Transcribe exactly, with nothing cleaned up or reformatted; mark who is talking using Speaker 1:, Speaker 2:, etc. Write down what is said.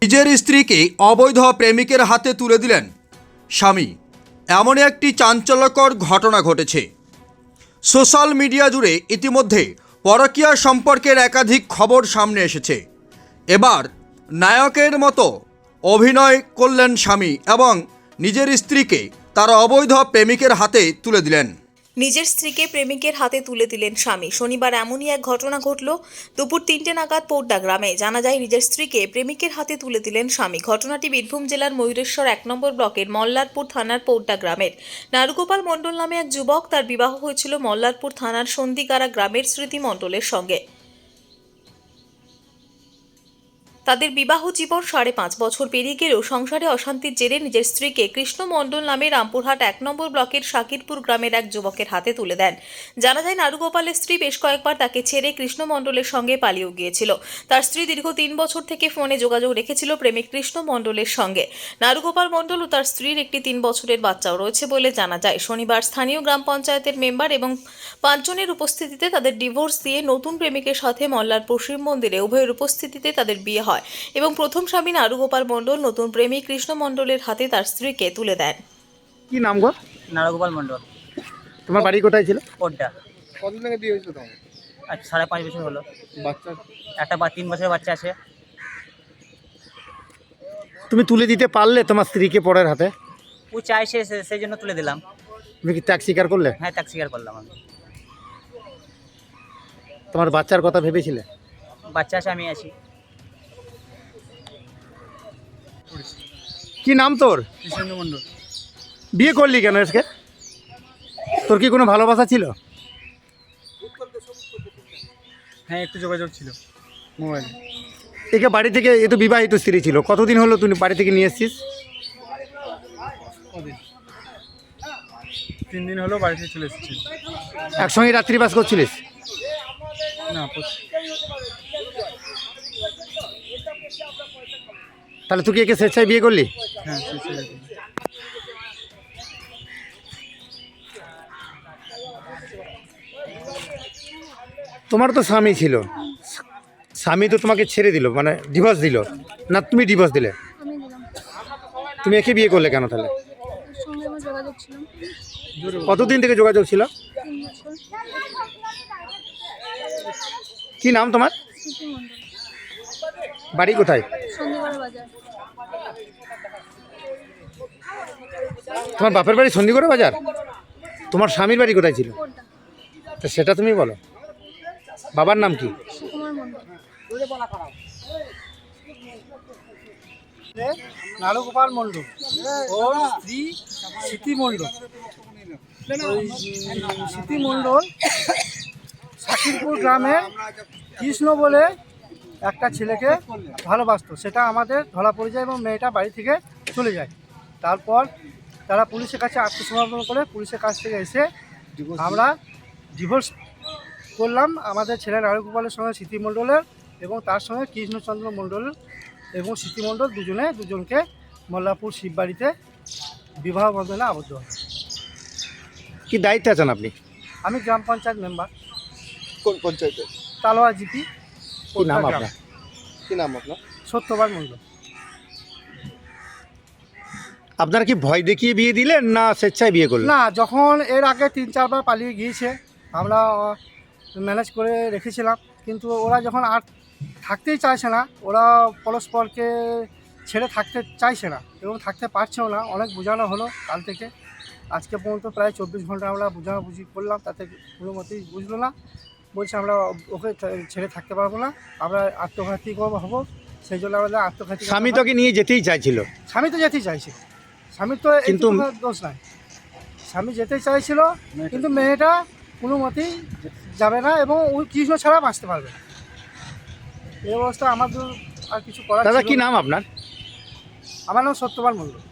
Speaker 1: নিজের স্ত্রীকে অবৈধ প্রেমিকের হাতে তুলে দিলেন স্বামী। এমন একটি চাঞ্চল্যকর ঘটনা ঘটেছে। সোশ্যাল মিডিয়া জুড়ে ইতিমধ্যে পরকীয়া সম্পর্কের একাধিক খবর সামনে এসেছে। এবার নায়কের মতো অভিনয় করলেন স্বামী এবং নিজের স্ত্রীকে তার অবৈধ প্রেমিকের হাতে তুলে দিলেন।
Speaker 2: নিজের স্ত্রীকে প্রেমিকের হাতে তুলে দিলেন স্বামী। শনিবার এমনই এক ঘটনা ঘটল দুপুর তিনটে নাগাদ পৌড্ডা গ্রামে। জানা যায়, নিজের স্ত্রীকে প্রেমিকের হাতে তুলে দিলেন স্বামী। ঘটনাটি বীরভূম জেলার ময়ূরেশ্বর এক নম্বর ব্লকের মল্লারপুর থানার পৌড্ডা গ্রামের। নারুগোপাল মণ্ডল নামে এক যুবক, তার বিবাহ হয়েছিল মল্লারপুর থানার সন্ধিগাড়া গ্রামের স্মৃতি মণ্ডলের সঙ্গে। তাদের বিবাহ জীবন সাড়ে পাঁচ বছর পেরিয়ে গেলেও সংসারে অশান্তির জেরে নিজের স্ত্রীকে কৃষ্ণ মণ্ডল নামে রামপুরহাট এক নম্বর ব্লকের শাকিরপুর গ্রামের এক যুবকের হাতে তুলে দেন। জানা যায়, নারুগোপালের স্ত্রী বেশ কয়েকবার তাকে ছেড়ে কৃষ্ণ মণ্ডলের সঙ্গে পালিয়েও গিয়েছিল। তার স্ত্রী দীর্ঘ তিন বছর থেকে ফোনে যোগাযোগ রেখেছিল প্রেমিক কৃষ্ণ মণ্ডলের সঙ্গে। নারুগোপাল মণ্ডল ও তার স্ত্রীর একটি তিন বছরের বাচ্চাও রয়েছে বলে জানা যায়। শনিবার স্থানীয় গ্রাম পঞ্চায়েতের মেম্বার এবং পাঁচজনের উপস্থিতিতে তাদের ডিভোর্স দিয়ে নতুন প্রেমিকের সাথে মল্লারপুর শিব মন্দিরে উভয়ের উপস্থিতিতে তাদের বিয়ে হয় এবং প্রথম স্বামী নারুগোপাল মণ্ডল নতুন প্রেমিক কৃষ্ণ মণ্ডলের হাতে তার স্ত্রীকে তুলে দেন।
Speaker 3: কি নাম গো?
Speaker 4: নারুগোপাল মণ্ডল।
Speaker 3: তোমার বাড়ি কোথায় ছিল?
Speaker 4: পদ্মা।
Speaker 3: কতদিন আগে বিয়ে হয়েছিল তোমার?
Speaker 4: আজ সাড়ে পাঁচ বছর হলো।
Speaker 3: বাচ্চা?
Speaker 4: একটা বা তিন বছরের বাচ্চা আছে।
Speaker 3: তুমি তুলে দিতে পারলে তোমার স্ত্রীকে পরের হাতে?
Speaker 4: ও চাইছে, সেই জন্য তুলে দিলাম।
Speaker 3: তুমি কি ত্যাগ স্বীকার করলে?
Speaker 4: হ্যাঁ, ত্যাগ স্বীকার করলাম আমি।
Speaker 3: তোমার বাচ্চার কথা ভেবেছিলে?
Speaker 4: বাচ্চা আছে, আমি আছি।
Speaker 3: কি নাম তোর?
Speaker 4: কৃষ্ণেন্দু মণ্ডল।
Speaker 3: বিয়ে করলি কেন আজকে? তোর কি কোনো ভালোবাসা ছিল?
Speaker 4: হ্যাঁ, একটু যোগাযোগ ছিল মোবাইলে।
Speaker 3: একে বাড়ি থেকে, এ তো বিবাহিত স্ত্রী ছিল, কতদিন হলো তুমি বাড়ি থেকে নিয়ে এসছিস?
Speaker 4: তিন দিন হলো বাড়ি থেকে চলে এসেছি।
Speaker 3: একসঙ্গে রাত্রিবাস করছিলিস?
Speaker 4: না,
Speaker 3: তাহলে তুই কি একে স্বেচ্ছায় বিয়ে করলি?
Speaker 4: হ্যাঁ।
Speaker 3: তোমার তো স্বামী ছিল, স্বামী তো তোমাকে ছেড়ে দিল, মানে ডিভোর্স দিল না? তুমি ডিভোর্স দিলে?
Speaker 5: আমি দিলাম।
Speaker 3: তুমি একে বিয়ে করলে কেন তাহলে?
Speaker 5: এর সঙ্গে আমার যোগাযোগ ছিল
Speaker 3: কতদিন থেকে যোগাযোগ ছিল?
Speaker 5: তিন বছর।
Speaker 3: কি নাম তোমার?
Speaker 5: স্মৃতি মণ্ডল।
Speaker 3: বাড়ি কোথায়?
Speaker 5: সন্ধিগড় বাজার।
Speaker 3: তোমার বাপের বাড়ি সন্ধিগড় বাজার? তোমার স্বামীর বাড়ি কোথায় ছিল?
Speaker 5: পদ্মা।
Speaker 3: তা সেটা তুমি বলো। বাবার নাম কি?
Speaker 5: সুকুমার মণ্ডল।
Speaker 6: নারুগোপাল মণ্ডল ও স্ত্রী স্মৃতি মণ্ডল। ওই স্মৃতি মণ্ডল শাকিরপুর গ্রামের কৃষ্ণ বলে একটা ছেলেকে ভালোবাসতো। সেটা আমাদের ধরা পড়ে যায় এবং মেয়েটা বাড়ি থেকে চলে যায়। তারপর তারা পুলিশের কাছে আত্মসমর্পণ করে পুলিশের কাছ থেকে এসে আমরা ডিভোর্স করলাম। আমাদের ছেলে নারুগোপালের সঙ্গে স্মৃতি মণ্ডলের এবং তার সঙ্গে কৃষ্ণচন্দ্র মণ্ডল এবং স্মৃতি মণ্ডল দুজনে দুজনকে মল্লারপুর শিববাড়িতে বিবাহ বন্ধনে আবদ্ধ হয়।
Speaker 3: কি দায়িত্বে আছেন আপনি?
Speaker 6: আমি গ্রাম পঞ্চায়েত মেম্বার।
Speaker 3: কোন পঞ্চায়েতে?
Speaker 6: তালোয়া জিপি।
Speaker 3: কি নাম আপনার? কি নাম আপনার?
Speaker 6: সত্যবান মণ্ডল।
Speaker 3: আপনার কি ভয় দেখিয়ে বিয়ে দিলেন না স্বেচ্ছায় বিয়ে করলেন?
Speaker 6: না, যখন এর আগে তিন চারবার পালিয়ে গিয়েছে আমরা ম্যানেজ করে রেখেছিলাম, কিন্তু ওরা যখন আর থাকতেই চাইছে না, ওরা পরস্পরকে ছেড়ে থাকতে চাইছে না এবং থাকতে পারছেও না। অনেক বোঝানো হলো কাল থেকে আজকে পর্যন্ত, প্রায় চব্বিশ ঘন্টা আমরা বোঝাবুঝি করলাম, তাতে কোনো মতেই বুঝলো না। বলছে আমরা ওকে ছেড়ে থাকতে পারবো না, আমরা আত্মঘাতী হবো। সেই জন্য আমাদের আত্মঘাতী।
Speaker 3: স্বামী তোকে নিয়ে যেতেই চাইছিল?
Speaker 6: স্বামী তো যেতেই চাইছে, স্বামীর তো
Speaker 3: কিন্তু
Speaker 6: দোষ নাই। স্বামী যেতেই চাইছিল, কিন্তু মেয়েটা কোনো মতেই যাবে না এবং ওই কৃষ্ণ ছাড়া বাঁচতে পারবে না। এই অবস্থা আমাদের আর কিছু করার।
Speaker 3: দাদা কি নাম আপনার?
Speaker 6: আমার নাম সত্যবান মণ্ডল।